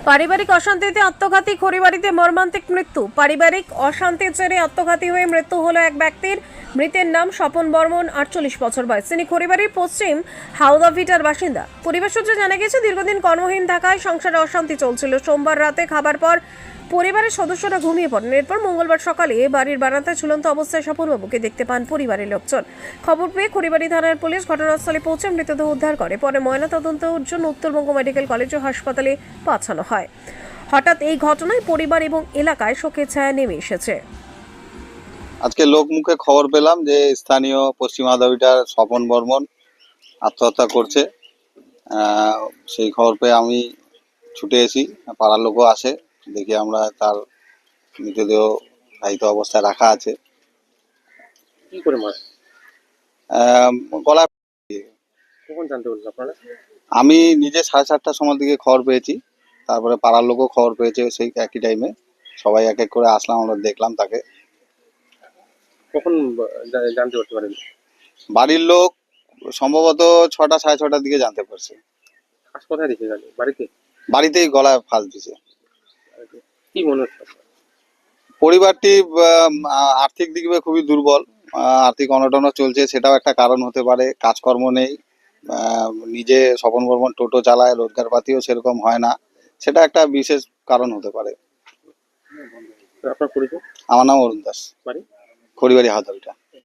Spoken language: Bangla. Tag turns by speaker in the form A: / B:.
A: পারিবারিক অশান্তিতে আত্মঘাতী খড়িবাড়িতে মর্মান্তিক মৃত্যু। পারিবারিক অশান্তির জেরে আত্মঘাতী হয়ে মৃত্যু হলো এক ব্যক্তির। মৃতের নাম স্বপন বর্মন, 48 বছর বয়স। তিনি খড়িবাড়ির পশ্চিম হাওদাভিটার বাসিন্দা। পরিবার সূত্রে জানা গেছে, দীর্ঘদিন কর্মহীন থাকায় সংসারে অশান্তি চলছিল। সোমবার রাতে খাবার পর পরিবারের সদস্যরা ঘুমিয়ে পড়েন। এরপর মঙ্গলবার সকালে বাড়ির বারান্দায় ঝুলন্ত অবস্থায় স্বপনবাবুকে দেখতে পান পরিবারের লোকজন। খবর পেয়ে খড়িবাড়ি থানার পুলিশ ঘটনাস্থলে পৌঁছে মৃতদেহ উদ্ধার করে। পরে ময়নাতদন্তের জন্য উত্তরবঙ্গ মেডিকেল কলেজ ও হাসপাতালে পাঠানো হয়। হঠাৎ এই ঘটনায় পরিবার এবং এলাকায় শোকের ছায়া নেমে এসেছে।
B: আজকে লোকমুখে খবর পেলাম যে স্থানীয় পশ্চিম আদাবিটার স্বপন বর্মন আত্মহত্যা করছে। সেই খবর পেয়ে আমি ছুটে এসি, পাড়ার লোকও আসে, দেখি আমরা তার মৃতদেহ দায়িত্ব অবস্থায় রাখা আছে।
C: কি করে মার
B: গলা
C: কখন জানতে পারলেন আপনারা?
B: আমি নিজে 7:30টার সময় দিকে খবর পেয়েছি, তারপরে পাড়ার লোকও খবর পেয়েছে সেই একই টাইমে। সবাই এক এক করে আসলাম, আমরা দেখলাম তাকে।
C: কখন জানতে পারতে পারেন?
B: বাড়ির লোক সম্ভবত 6টা 6:30টার দিকে জানতে পারছে।
C: আজ কোথায় দেখে গেল? বাড়িতে?
B: বাড়িতেই গলায় ফাঁস দিছে।
C: কি মনে হচ্ছে আপনার?
B: পরিবারটি আর্থিক দিক দিয়ে খুবই দুর্বল। আর্থিক অনটনও চলছে, সেটাও একটা কারণ হতে পারে। কাজকর্ম নেই, নিজে স্বপন বর্মন টোটো চালায়, রোজগার পাতিও সেরকম হয় না, সেটা একটা বিশেষ কারণ হতে পারে।
C: আপনার পরিচয়?
B: আমার নাম অরুণ দাস,
C: বাড়ি?
B: খড়িবাড়ি হাওদাবিটা।